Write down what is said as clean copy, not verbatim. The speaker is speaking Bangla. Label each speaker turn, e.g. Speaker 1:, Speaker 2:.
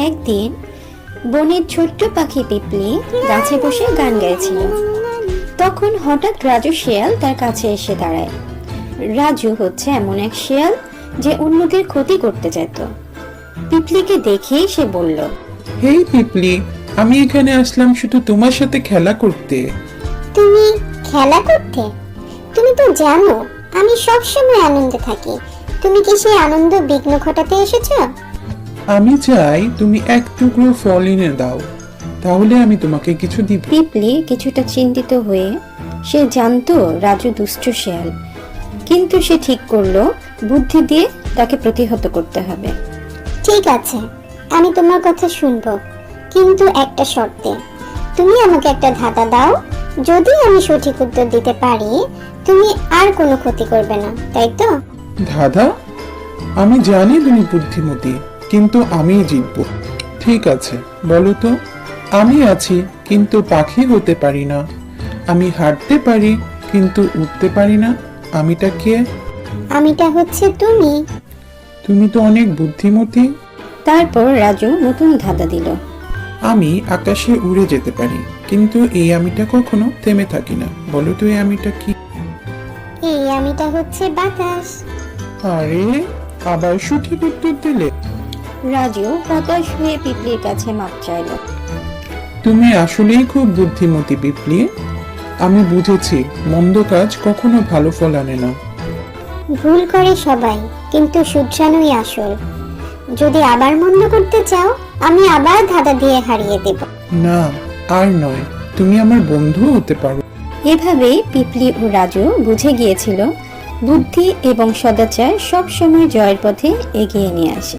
Speaker 1: একদিন বনের ছোট্ট পাখি পিপলি গাছে বসে গান গাইছিল। তখন হঠাৎ রাজু শিয়াল তার কাছে এসে দাঁড়ায়। রাজু হচ্ছে এমন এক শিয়াল যে অন্যদের ক্ষতি করতে যেত। পিপলিকে দেখেই সে বলল,
Speaker 2: হেই পিপলি, আমি এখানে আসলাম শুধু তোমার সাথে খেলা করতে।
Speaker 3: তুমি খেলা করতে? তুমি তো জানো আমি সব সময় আনন্দে থাকি। তুমি কি সেই আনন্দ বিঘ্ন ঘটাতে এসেছো?
Speaker 2: আমি চাই তুমি এক টুকরো ফল এনে দাও, তাহলে আমি তোমাকে কিছু দিব।
Speaker 1: পিপলি কিছুটা চিন্তিত হয়ে, সে জানতো রাজু দুষ্ট শিয়াল, কিন্তু সে ঠিক করলো বুদ্ধি দিয়ে তাকে প্রতিহত করতে হবে।
Speaker 3: ঠিক আছে, আমি তোমার কথা শুনবো, কিন্তু একটা শর্তে। তুমি আমাকে একটা ধাঁধা দাও, যদি আমি সঠিক উত্তর দিতে পারি তুমি আর কোনো ক্ষতি করবে না, তাই তো?
Speaker 2: দাদা, আমি জানি তুমি বুদ্ধিমতী, কিন্তু আমিই জিতবো। ঠিক আছে, বলো তো। আমি আছি কিন্তু পাখি হতে পারি না। আমি হাঁটতে পারি কিন্তু উঠতে পারি না। আমিটা কে?
Speaker 3: আমিটা হচ্ছে তুমি।
Speaker 2: তুমি তো অনেক বুদ্ধিমতী।
Speaker 1: তারপর রাজু নতুন ধাঁধা দিল।
Speaker 2: আমি আকাশে উড়ে যেতে পারি, কিন্তু এই আমিটা কখনো থেমে থাকি না। বলো তো এই আমিটা কি?
Speaker 3: এই আমিটা হচ্ছে বাতাস।
Speaker 2: আরে, আবার সঠিক উত্তর দিলে।
Speaker 1: রাজু হতাশ হয়ে পিপলির কাছে মাপ চাইল।
Speaker 2: তুমি আসলেই খুব বুদ্ধিমতী পিপলি। আমি বুঝেছি মন্দ কাজ কখনো ভালো ফল আনে না।
Speaker 3: ভুল করে সবাই, কিন্তু শুধরানোই আসল। যদি আবার মন্দ করতে চাও আমি আবার ধাঁধা দিয়ে হারিয়ে দেব।
Speaker 2: না, আর নয়, তুমি আমার বন্ধু হতে পারো।
Speaker 1: এভাবেই পিপলি ও রাজু বুঝে গিয়েছিল বুদ্ধি এবং সদাচার সব সময় জয়ের পথে এগিয়ে নিয়ে আসে।